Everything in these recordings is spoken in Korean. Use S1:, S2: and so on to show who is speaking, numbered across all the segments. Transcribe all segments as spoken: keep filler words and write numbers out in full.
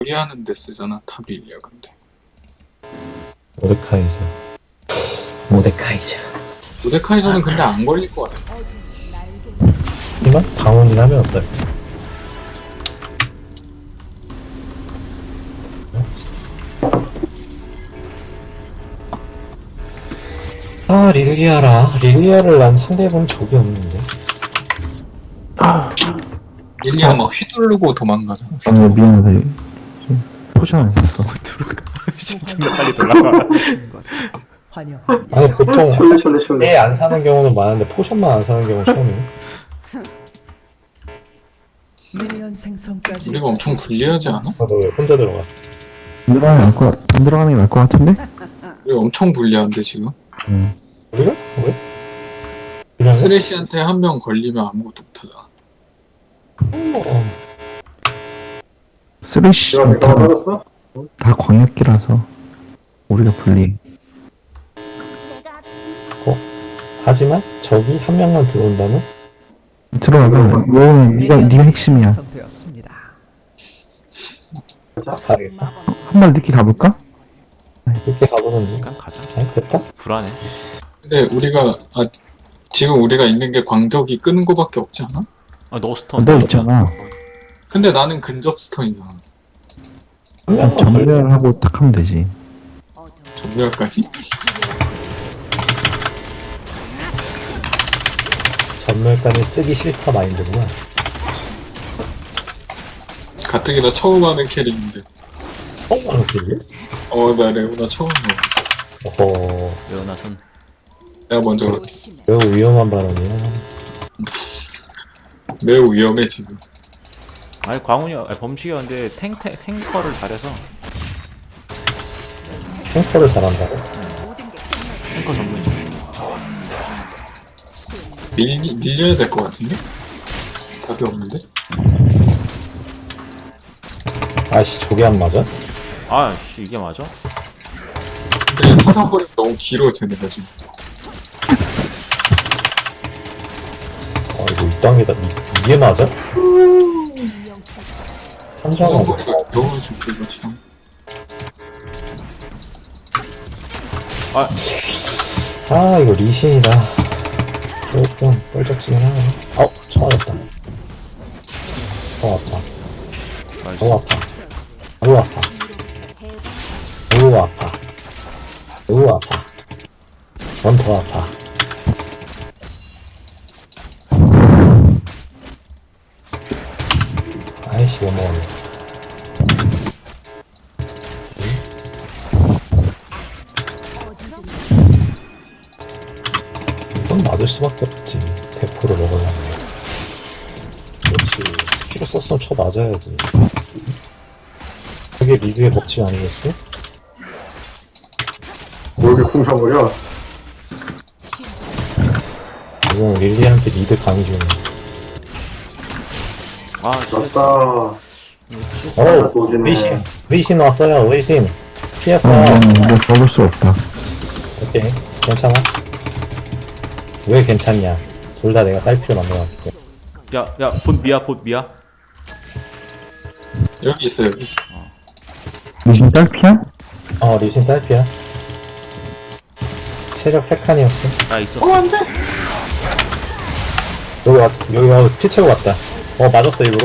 S1: 요리하는 데 쓰잖아 타빌리아. 근데
S2: 모데카이저. 모데카이저.
S1: 모데카이저는 근데 안 걸릴 것 같아.
S2: 하지만 방어는 하면 어떨까? 아 릴리아라. 릴리아를 난 상대해본 적이 없는데.
S1: 릴리아 막 휘두르고 도망가잖아.
S3: 아, 미안하다. 포션 안 샀어.
S4: 존나 빨리 돌아가.
S2: 아니 보통
S5: 촐레 촐레 촐레.
S2: 애 안 사는 경우는 많은데 포션만 안 사는 경우는 처음이네.
S6: 미니언 생성까지
S1: 우리가 엄청 불리하지 않아?
S2: 너 왜 혼자 들어가?
S3: 안 들어가는 게 나을 것, 같- 안 들어가는 게 나을 것 같은데?
S1: 우리 엄청 불리한데 지금?
S3: 응.
S2: 우리가? 왜? 그냥
S1: 쓰레쉬한테 한 명 걸리면 아무것도 못하잖아.
S2: 어,
S3: 쓰레쉬
S5: 내가
S3: 다,
S5: 내가 맞았어?
S3: 다 광역기라서 우리가 불리해.
S2: 하지만 저기 한 명만 들어온다면
S3: 들어가면 너는 네가 네가 핵심이야.
S6: 생성되었습니다.
S2: 가야겠다.
S3: 한 발 늦게 가볼까?
S2: 늦게 가보는지.
S4: 그냥 가자.
S2: 아니 됐다.
S4: 불안해.
S1: 근데 우리가 아 지금 우리가 있는 게 광적이 끄는 거밖에 없지 않아?
S4: 아, 너 스턴.
S3: 너 있잖아.
S1: 근데 나는 근접 스턴이잖아.
S2: 한 명만 걸려.
S3: 전멸을 하고 딱 하면 되지.
S1: 전멸까지?
S2: 전멸까지 쓰기 싫다 마인드구나.
S1: 가뜩이나 처음 하는 캐릭인데.
S2: 처음 하는 길이?
S1: 어나 레오나 처음 해.
S2: 어허,
S4: 레오나 손.
S1: 내가 먼저
S2: 매우 위험한 발언이야.
S1: 매우 위험해 지금.
S4: 아니 광훈이 아니, 범식이 근데 탱, 탱 탱커를 잘해서
S2: 탱커를 잘한다고?
S4: 탱커 전문이죠.
S1: 밀 밀려야 될 것 같은데? 답이 없는데?
S2: 아씨 저게 안 맞아?
S4: 아씨 이게 맞아?
S1: 근데 사상거리가 너무 길어 쟤네가 지금.
S2: 아 이거 이땅에다 이, 이게 맞아? 한정은
S1: 사상거리가 너무 죽기가 참.
S2: 아 이거 리신이다. 조금 뻘짝지긴 하네. 어 처음 맞았다. 더 아파. 더 아파. 더 아파. 더 아파. 더 아파. 넌 더 아파. 아이씨 못 먹었네. 이건 맞을 수밖에 없지. 대포를 먹으려면. 그렇지. 스킬을 썼으면 쳐 맞아야지. 그게 리그의 법칙 아니겠어?
S5: 뭐 이렇게 쿵상거려?
S2: 이건 릴리한테 리드 강의 중이야.
S4: 아 진짜
S5: 맞다.
S2: 어,
S5: 소진해.
S2: 리신, 리신 왔어요, 리신. 피했어.
S3: 어, 이건 뭐 먹을 수 없다.
S2: 오케이, 괜찮아. 왜 괜찮냐? 둘 다 내가 딸피로 만들어놨기 때문에.
S4: 야야 봇 미야 봇 미야.
S1: 여기 있어 여기 있어.
S3: 리신 딸피야?
S2: 어, 리신 딸피야. 체력 세 칸이었어.
S4: 나 있었어.
S1: 안돼.
S2: 여기 왔, 여기 와, 피 채고 왔다. 어, 맞았어, 일부러.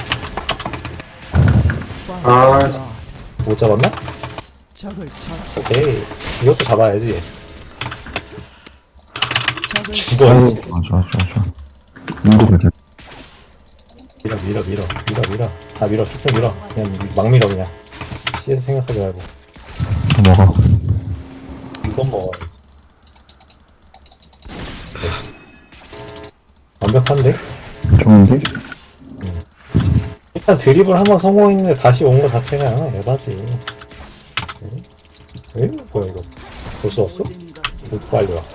S5: 아,
S2: 못 잡았나?
S6: 적을 쳐
S2: 오케이. 이것도 잡아야지.
S6: 적을
S2: 죽어.
S3: 아유, 좋아, 좋아, 좋아, 좋아. 밀고 가자.
S2: 밀어, 밀어, 밀어. 밀어, 밀어. 다 밀어, 쭉쭉 밀어. 그냥 막 밀어, 그냥. 씨에서 생각하지 말고.
S3: 더 먹어.
S2: 이건 먹어야지. 됐어. 완벽한데?
S3: 좋은데?
S2: 일단 드립을 한번 성공했는데 다시 온 거 자체가 에바지. 응? 에? 뭐야 이거? 벌써 왔어? 뭐 빨리 와.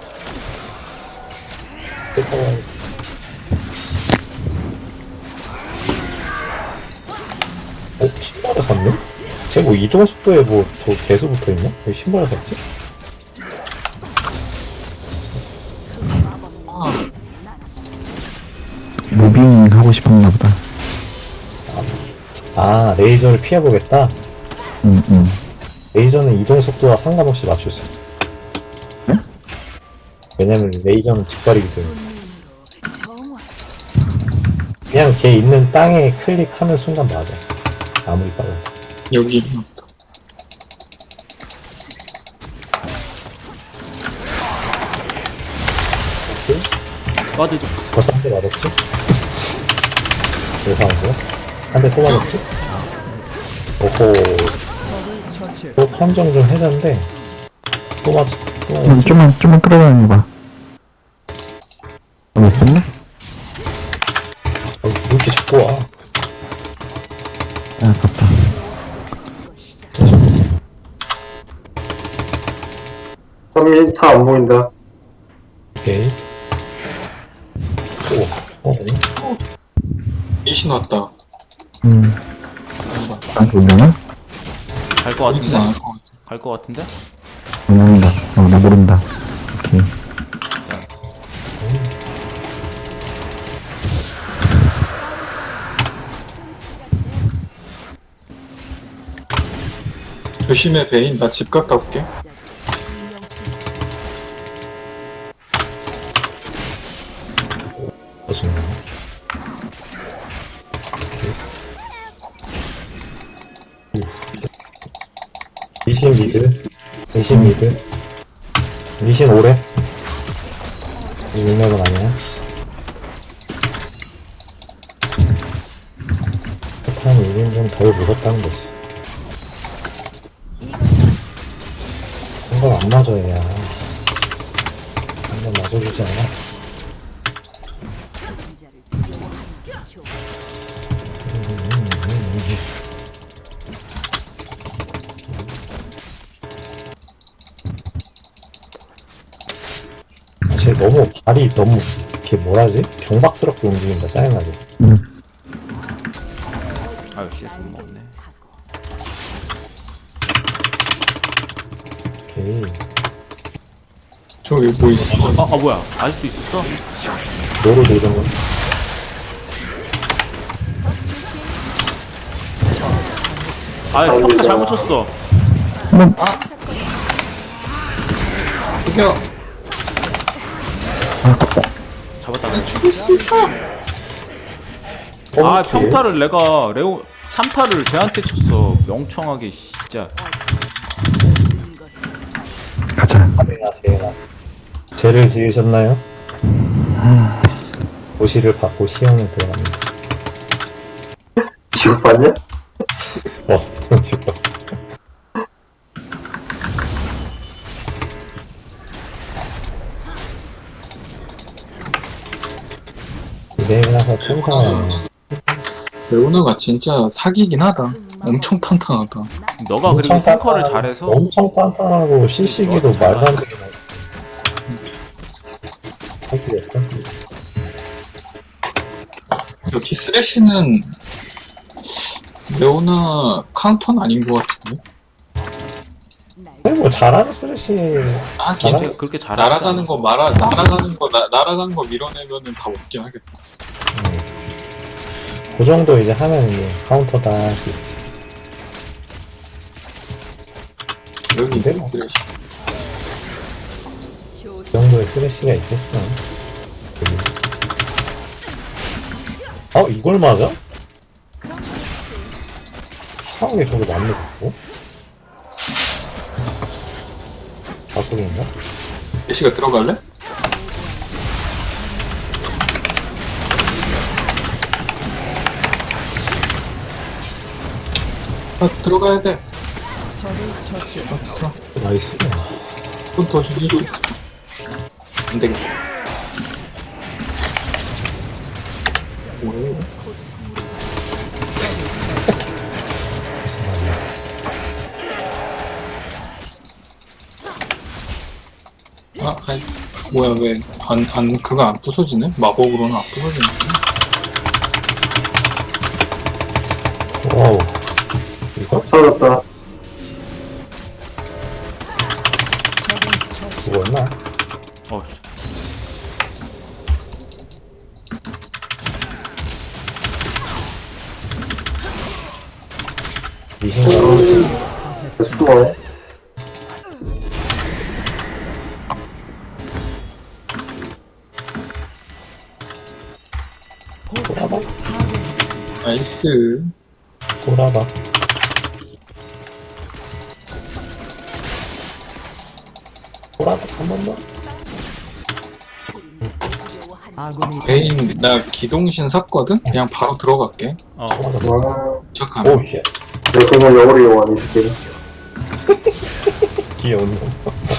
S2: 됐다 와. 어? 신발을 샀네? 쟤 뭐 이동 속도에 뭐 더 개수 붙어있나? 왜 신발을 샀지?
S3: 무빙 하고 싶었나 보다.
S2: 아 아, 레이저를 피해보겠다?
S3: 응, 응.
S2: 레이저는 이동 속도와 상관없이 맞출 수 있어. 왜냐면 레이저는 직거리기 때문에. 그냥 걔 있는 땅에 클릭하는 순간 맞아. 아무리 빨라도.
S1: 여기
S4: 와드 좀.
S2: 벌써 한 대 맞았지? 예상한 거야? 한 대 또 맞았지? 오호,
S6: 적을 처치했습니다.
S2: 또 판정 좀 해잔데, 또 맞, 또
S3: 좀,
S2: 맞았지?
S3: 좀만, 좀만 끌어다녀봐. 어, 됐네?
S2: 어, 왜 이렇게 자꾸 와?
S3: 아, 아깝다.
S5: 삼이 차 안 보인다.
S2: 오케이. 오, 어,
S1: 이신 왔다.
S3: 음. 나한테 올려나?
S4: 갈것
S1: 보이진
S4: 같은데?
S1: 않을 것 같아.
S4: 갈 것 같은데?
S3: 어, 모른다. 어, 나 모른다. 오케이.
S1: 조심해 베인. 나 집 갔다 올게.
S2: 무슨 리신 미드, 리신 미드, 리신 오래. 이 윙맵은 아니야. 폭탄 일 인 좀 덜 무섭다는 거지. 한번 안 맞아야. 한번 맞아주지 않아? 쟤 너무 발이 너무 이렇게 뭐라지? 경박스럽게 움직인다. 짜증나게.
S4: 아유 씨에스 못 먹네.
S2: 오케이.
S1: 저기 뭐 있어?
S4: 아, 아 뭐야? 아직도 있었어?
S2: 노루 노정은
S4: 아 평타 잘못 쳤어.
S1: 이겨.
S4: 잡았다.
S1: 죽을 수 있어.
S4: 아 평타를 내가 레오 삼 타를 쟤한테 쳤어. 명청하게 진짜.
S3: 가자.
S2: 안녕하세요. 죄를 지으셨나요? 고시를 받고 시험에 들어갑니다.
S5: 지옥 봤냐?
S2: 어, 죽었어. 이래서 평상하네.
S1: 레오나가 진짜 사기긴 하다. 엄청 탄탄하다.
S4: 너가 그리고 탱커를 잘해서
S2: 엄청 단단하고 실시기도
S4: 어, 잘
S2: 말도 안 되게 사기였어.
S1: 여기 쓰레쉬는 레오나 카운터는 아닌 것 같은데?
S2: 아니 뭐 잘하는 쓰레쉬
S1: 아,
S2: 잘하-
S1: 걔
S4: 그렇게 잘하.
S1: 날아가는 거 말아, 날아가는 거, 나, 날아가는 거 밀어내면은 다 먹긴 하겠다.
S2: 그 정도 이제 하면 이제 카운터다 할 수 있지.
S1: 여기 있어,
S2: 근데?
S1: 쓰레쉬.
S2: 그 정도의 쓰레쉬가 있겠어. 여기. 어 이걸 맞아? 이상하게 저거 맞네 갖고. 바꾸기인가?
S1: 쓰레쉬가 들어갈래? 아, 들어가야 돼.
S6: 적을 처치했습니다.
S1: 없어.
S2: 나이스.
S1: 좀 더 죽일 수 있어. 안 되겠다. 뭐야? 아, 아이, 뭐야, 왜, 안, 안, 그거 안 부서지네? 마법으로는 안 부서지네.
S2: 와우. 이거
S5: 사라졌다.
S2: 죽었나?
S4: 어,
S5: 계속 좋아해.
S2: 꼬라박
S1: 나이스.
S2: 꼬라박. 꼬라박 한 번 더.
S6: 아군이
S1: 베인 나 기동신 샀거든? 그냥 바로 들어갈게.
S4: 어
S2: 꼬라박.
S5: 와,
S1: 도착하면.
S2: 오우 쉣.
S5: 내 그걸 영어로 이용하니, 스킬.
S2: 귀여운 놈.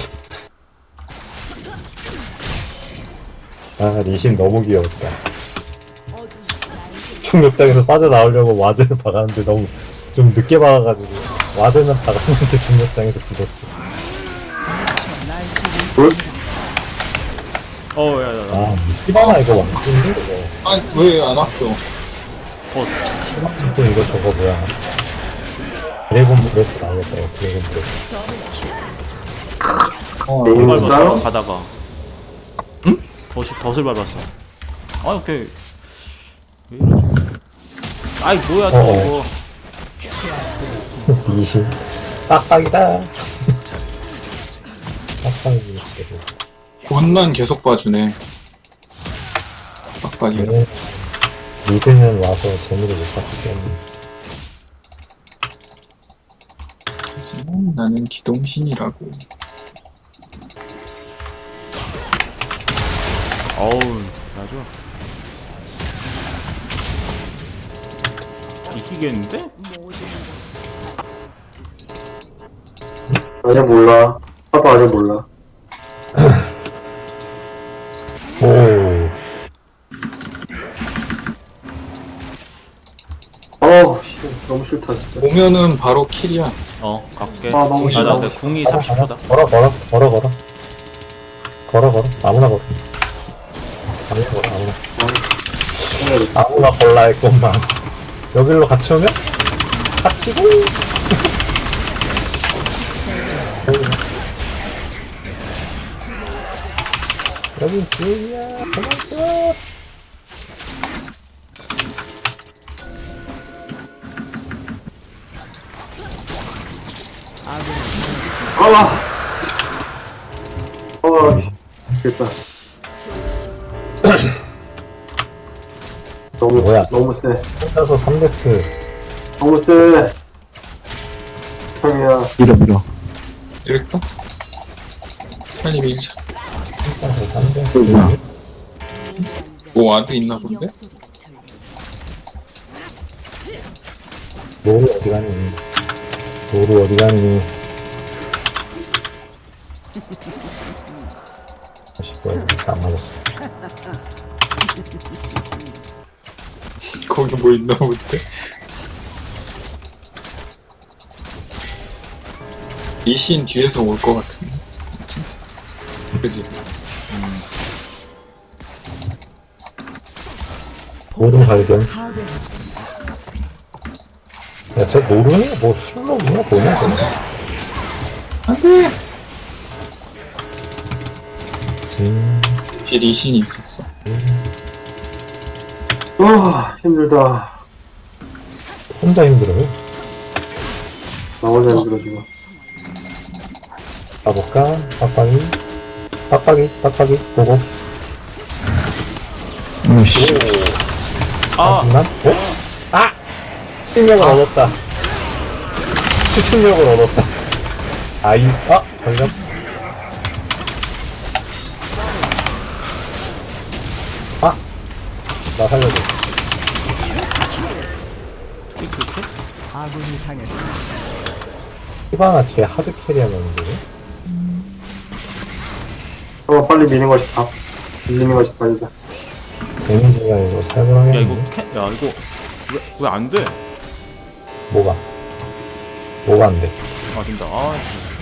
S2: 아, 니신 너무 귀여웠다. 중력장에서 빠져나오려고 와드를 박았는데 너무 좀 늦게 박아가지고 와드는 박았는데 중력장에서 죽었어.
S5: 굿?
S4: 어야야야
S2: 아, 히바나 이거 완전인데 이거.
S1: 아, 왜 안 왔어?
S2: 또 이거 저거 뭐야. 드래곤 브레스 나오겠다, 이거 드래곤 브레스.
S1: 어,
S5: 음.
S4: 밟았어
S5: 싸움?
S4: 가다가
S1: 응?
S4: 덫이 덫을 밟았어 아 오케이 왜 이러지 아이 뭐야 또
S2: 어어.
S4: 이거
S2: 니신. 빡빡이다. 빡빡이.
S1: 옷만 계속 봐주네. 빡빡이.
S2: 네. 미드는 와서 재미를 못 봤기 때문에.
S1: 하지만 나는 기동신이라고.
S4: 어우 맞아 이기겠는데?
S5: 아직 몰라. 아빠 아직 몰라.
S2: 오.
S5: 어우, 씨, 너무 싫다, 진짜.
S1: 오면은 바로 킬이야.
S4: 어 갈게
S5: 아, 너무
S4: 아나
S5: 싫어.
S4: 내 궁이 삼십 초다
S2: 걸어, 걸어, 걸어, 걸어. 걸어, 걸어. 아무나 걸어. 아무나 걸어, 아무나. 아무나 걸라 했건만. 여기로 같이 오면? 같이 고! 여긴 지옥이야. 도망쳐!
S5: 아! 아, 됐다. 너무,
S2: 뭐야?
S5: 너무 세.
S2: 혼자서 삼 데스.
S5: 너무 세. 형이야.
S3: 밀어 밀어.
S1: 이럴까? 빨리 밀자.
S2: 혼자서 삼 데스.
S3: 뭐야?
S1: 뭐 와드 있나 본데?
S2: 노루 어디 가니? 노루 어디 가니? 다시 뭐야, 안 맞았어.
S1: 거기 뭐 있나 본데? 이신 뒤에서 올 것 같은데. 그치? 그지?
S2: 노루 발견.
S6: 파괴했습니다.
S2: 야, 저 노루니? 뭐 술록이야? 뭐냐, 저거?
S1: 안 돼!
S2: 음,
S1: 뒤에 리신이 있었어.
S5: 아, 힘들다.
S2: 혼자 힘들어요?
S5: 나 혼자 힘들어, 지금.
S2: 가볼까? 빡빡이? 빡빡이? 빡빡이? 보고.
S3: 오씨.
S4: 아
S2: 하지만, 어? 아! 추진력을 얻었다. 추진력을 얻었다. 아이스, 아! 걸렸. 아! 나 살려줘.
S6: 아군이 당했습니다.
S2: 히바나 뒤에 하드 캐리하면 되지?
S5: 어, 빨리 미는 것이 다. 밀리는 것이 답이다.
S2: 데미지가 이거
S4: 야
S2: 살벌하게.
S4: 이거 캐, 야 이거 왜 왜 안 돼?
S2: 뭐가? 뭐가 안 돼?
S4: 아 된다. 아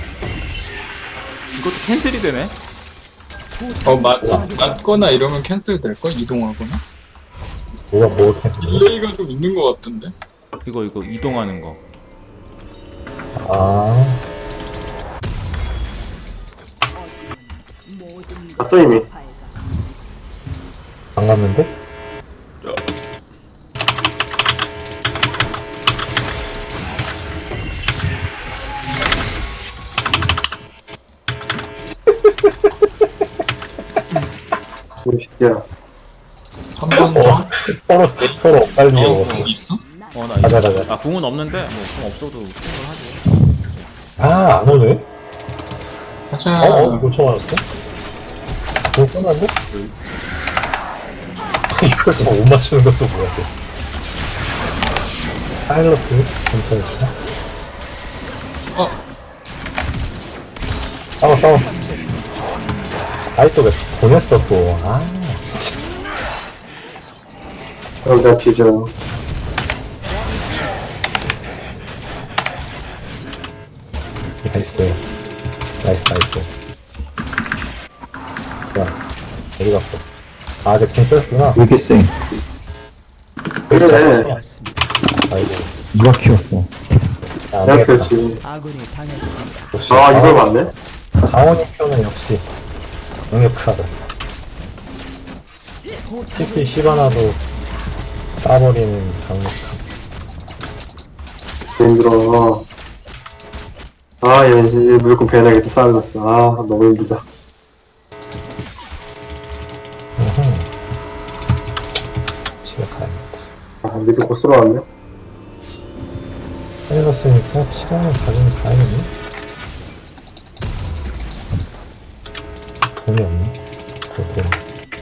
S4: 이것도 캔슬이 되네.
S1: 어, 맞, 맞거나 이러면 캔슬 될걸? 이동하거나?
S2: 뭐가 뭘 했지?
S1: 딜레이가 좀 있는 것 같던데?
S4: 이거 이거 이동하는 거.
S2: 아,
S5: 갔어, 이미.
S2: 안 갔는데?
S5: 이 새끼야.
S1: 한번
S2: 어,
S1: 더.
S2: 서로, 서로 엇갈리게
S1: 어,
S2: 먹었어.
S1: 공 있어?
S4: 어, 나
S2: 가자,
S4: 이거.
S2: 가자.
S4: 아, 궁은 없는데, 뭐, 궁 없어도 충분을 하지.
S2: 아, 안 오네?
S1: 가자.
S2: 어, 어, 못 쳐맞았어? 못 써놨네? 이걸 또 못 맞추는 것도 뭐야, 또. 사일러스, 괜찮을까?
S1: 어,
S2: 싸워, 싸워. 아이, 또 왜 보냈어, 또. 아, 진짜.
S5: 여기다 뒤져.
S2: 나이스. 나이스, 나이스. 야, 어디 갔어? 아, 저 킹 뺐구나.
S3: 왜 이렇게 세?
S5: 그래.
S2: 아이고.
S3: 누가 키웠어?
S2: 야, 안
S5: 내가
S2: 되겠다.
S5: 그렇지.
S6: 아군이 당했습니다.
S2: 역시
S5: 아, 이걸
S2: 강원-
S5: 맞네?
S2: 강원이 표는 역시 강력하다. 특히 시바나도 따버리는 강력함.
S5: 힘들어. 아, 얘, 얘 물건 배나게도 쌓아졌어. 아, 너무 힘들다.
S2: 으흠. 집에 가야겠다.
S5: 아, 미드 곧 쏠아왔네?
S2: 해봤으니까 시간을 가지면 가야겠네. 돈이 없네. 그 돈.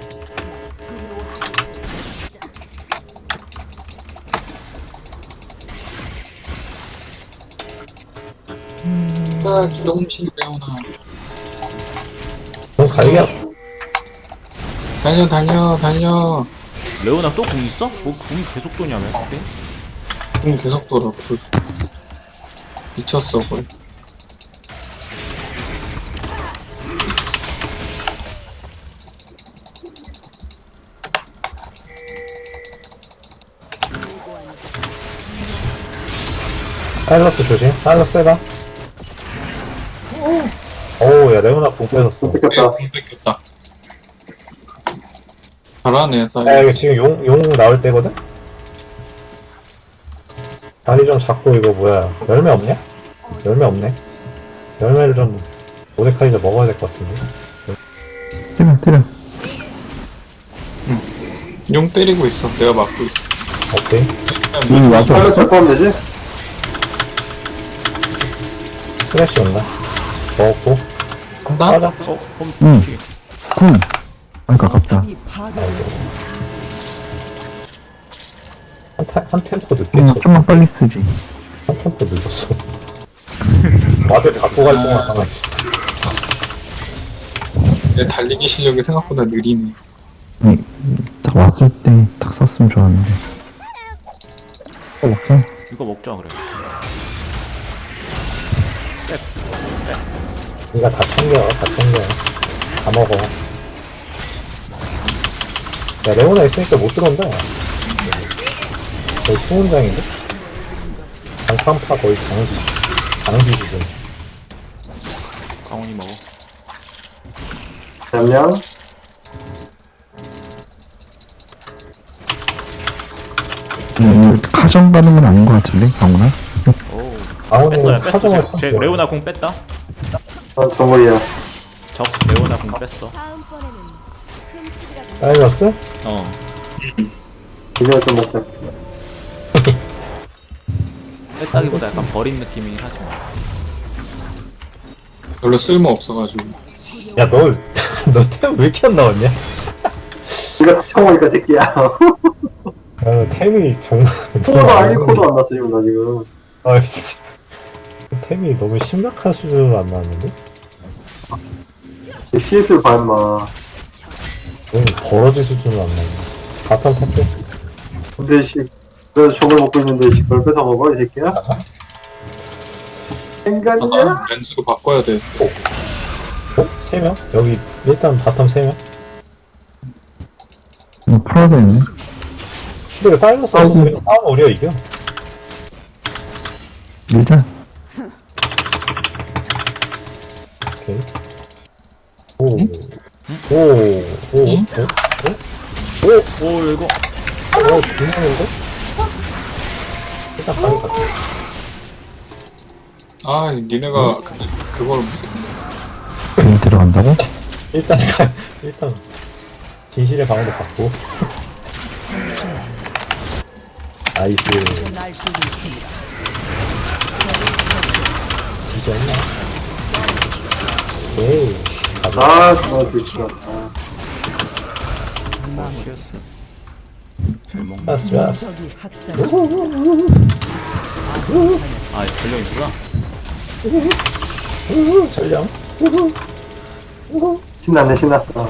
S1: 아, 기동신 레오나.
S2: 돈 갈겨.
S1: 달려, 달려, 달려.
S4: 레오나 또 궁 있어? 뭐, 궁이 계속 도냐며, 그때?
S1: 공 계속 돌아, 불. 미쳤어, 거의.
S2: 사일러스 조심. 사일러스 해봐. 오우, 야, 레오나 궁 뺏었어.
S5: 뺏겼다.
S1: 공 뺏겼다. 잘하네,
S2: 야, 이거
S1: 사이언스.
S2: 지금 용, 용 나올 때거든? 다리 좀 잡고, 이거 뭐야. 열매 없냐? 열매 없네. 열매를 좀, 모데카이저 먹어야 될 것 같은데.
S3: 때려, 때려.
S1: 용 때리고 있어. 내가 막고 있어.
S2: 오케이.
S3: 이 와서
S5: 팔로
S3: 없어?
S5: 포함 되지?
S2: 스매시 온다. 먹었고.
S1: 간다?
S2: 맞아.
S4: 어, 홈,
S3: 응.
S4: 뒤에.
S3: 쿵. 아이고, 아깝다.
S6: 이 파괴했습니다.
S2: 한, 타, 한 템포 늦게
S3: 응,
S2: 쳤어.
S3: 좀만 빨리 쓰지.
S2: 한 템포 늦었어. 와드 갖고 갈 동안 가만히 있었어.
S1: 내 달리기 실력이 생각보다 느리네.
S3: 아니, 딱 왔을 때 딱 썼으면 좋았는데. 어, 먹자.
S4: 이거 먹자, 그래.
S2: 니가 다 챙겨, 다 챙겨. 다 먹어. 야, 레오나 있으니까 못 들어온다. 거의 수문장인데? 장판파 거의 장비. 장비 수준.
S4: 강원이 먹어.
S5: 잠깐.
S3: 음, 이거 카정 가는 건 아닌 것 같은데, 강훈아?
S4: 오.
S2: 강원이는
S4: 뺐어요, 뺐어.
S2: 사정을
S4: 제, 제
S2: 쳤어.
S4: 레오나 궁 뺐다.
S5: 아, 정글이야.
S4: 적 레오나 궁 뺐어.
S2: 사이러스?
S4: 어.
S5: 이제 좀 먹자.
S4: 뺐다기보다 약간 버린 느낌이긴 하지만.
S1: 별로 쓸모 없어가지고.
S2: 야, 너, 너 템 왜 이렇게 안 나왔냐?
S5: 이거 다 쳐먹으니까 새끼야.
S2: 야, 템이 정말.
S5: 코도 아니고 코도 안 났어, 지금 나 지금.
S2: 아이씨. 템이 너무 심각한 수준으로 안 나왔는데?
S5: 씨에스를 봐, 임마.
S2: 너무 버러지 수준으로 안 나왔네. 바텀 탑게.
S5: 근데 씨, 그래서 저걸 먹고 있는데 씨, 그걸 뺏어 먹어, 이 새끼야?
S1: 아,
S5: 인간이야?
S1: 난 렌즈도 바꿔야 돼.
S2: 어? 세 명? 여기, 일단 바텀 세 명?
S3: 이거 풀어야 되네.
S2: 근데 그 사이러스 없어서 그냥 싸우면 우리가 이겨.
S3: 밀자.
S2: 오케이. 오. 오. 오. 오.
S1: 응?
S2: 오. 오.
S4: 오, 이거.
S2: 오. 중요한데? 일단 가는 것 같아.
S1: 아, 니네가 그, 그걸
S3: 여기 들어간다고?
S2: 일단 가, 일단 진실의 방으로 갔고. 나이스.
S6: 날뛰고 있습니다.
S2: 지졌나? 오케이. 가자.
S5: 아, 정말 불치가. 아,
S4: 잘 먹네.
S2: 좋았어, 좋았어.
S6: 적이 학살
S4: 아 전령이구나.
S2: 우후, 전령. 우후. 우후.
S5: 신났네, 신났어.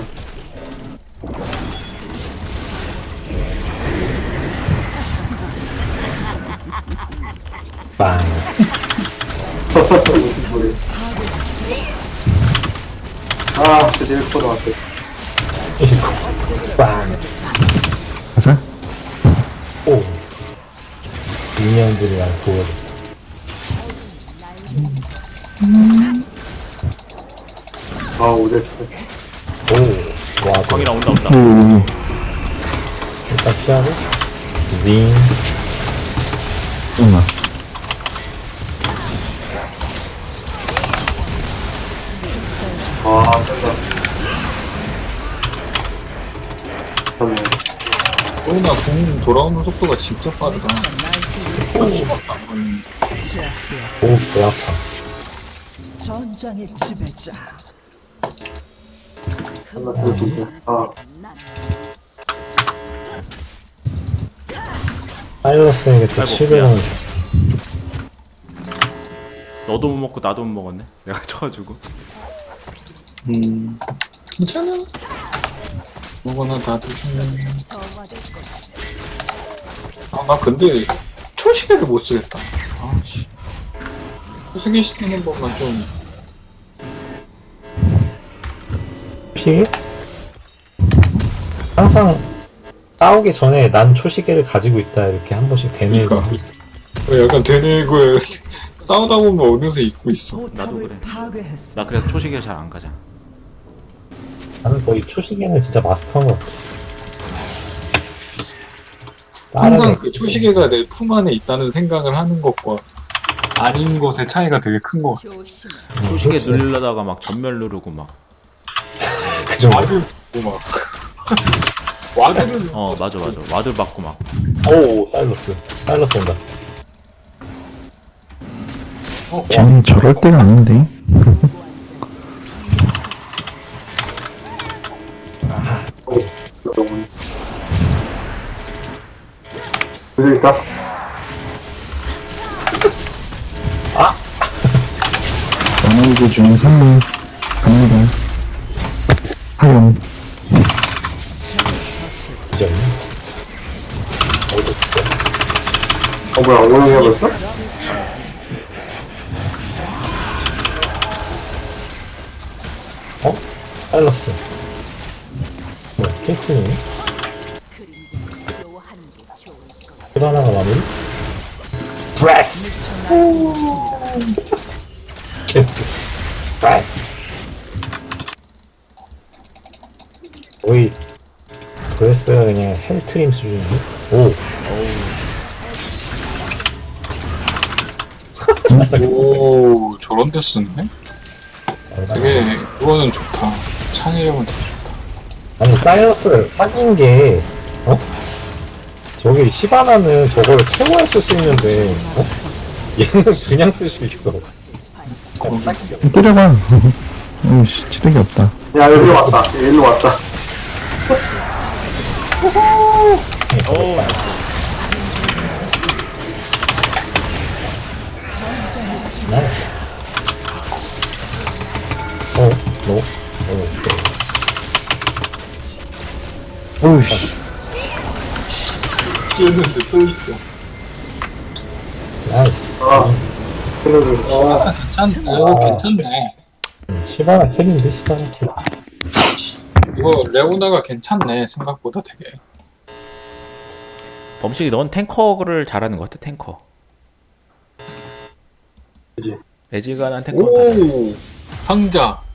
S2: 빵.
S5: 무슨 소리. 아, 드디어 일 퍼센트 왔어.
S2: 이거. 빵.
S3: 가자.
S2: 오. 인형들이랑 보여줘.
S5: 아, 오대 스
S2: 오. 와, 또
S4: 광이라 온다 온다.
S3: 오,
S2: 일단 피하고. 징.
S3: 잠깐만.
S5: 아, 쩐다. 좋네.
S1: 레오나 공 돌아오는 속도가 진짜 빠르다. 수밖에 안 걸리는데.
S6: 제압되었습니다.
S2: 오, 배 아파.
S6: 전장의 지배자.
S5: 끝났어, 진짜. 아,
S2: 사일러스에게 또
S4: 아이고,
S2: 칠백 원.
S4: 너도 못 먹고 나도 못 먹었네. 내가 쳐가지고.
S1: 음, 괜찮아. 이거나 다 드세요. 아, 나 근데 초시계를 못 쓰겠다. 아, 씨. 초시계 쓰는 법만 좀.
S2: 피해? 항상 싸우기 전에 난 초시계를 가지고 있다 이렇게 한 번씩 되뇌고.
S1: 그러니까. 약간 되뇌고 싸우다 보면 어느새 잊고 있어.
S4: 나도
S6: 포탑을
S4: 그래.
S6: 파괴했습니다.
S4: 나 그래서 초식에 잘 안 가자.
S2: 나는 거의 초시계는 진짜 마스터한 것 같아.
S1: 항상
S2: 다른
S1: 그 초시계가 내 품 안에 있다는 생각을 하는 것과 아닌 것의 차이가 되게 큰 것 같아.
S4: 초식에 누르려다가 막 전멸 누르고 막.
S2: 그 정도.
S1: 와드 뭐 막. 와드를
S4: 어 맞아 맞아. 와드 받고 막.
S2: 오, 사일러스. 사일러스 온다.
S1: 어,
S3: 쟤네 저럴 때가 아닌데.
S5: 너무. 드릴까?
S3: 원하는 중 선물 갑니다. 하용.
S2: 지졌네.
S5: 어, 뭐야, 오늘 해봤어?
S2: 어? 사일러스. 뭐야, 케이크니? 힐 하나가 마무리? 브레스! 캐스. 브레스! 거의 브레스가 그냥 헬트림 수준인데? 오!
S1: 오, 저런 데 쓰네?
S2: 얼마나.
S1: 되게, 그거는 좋다. 창의력은 되게 좋다.
S2: 아니 사이러스 사귄 게 어? 저기 시바나는 저거를 채워야 쓸 수 있는데 어? 얘는 그냥 쓸 수 있어.
S3: 때려봐. 어이씨, 체력이 없다.
S5: 야, 일로 왔다. 일로 왔다.
S2: 나이스. 어? 너? 어?
S3: 어이씨.
S1: 튀었는데 또 있어.
S2: 나이스.
S5: 아, 그래도, 아,
S1: 아, 괜찮네. 오, 괜찮네.
S2: 시바나 킬인데 시바나 킬.
S1: 이거 레오나가 괜찮네. 생각보다 되게.
S4: 범식이 넌 탱커를 잘하는 것 같아. 탱커.
S5: 그지.
S4: 매지가 난 탱커를 다 잘해.
S1: 오, 상자.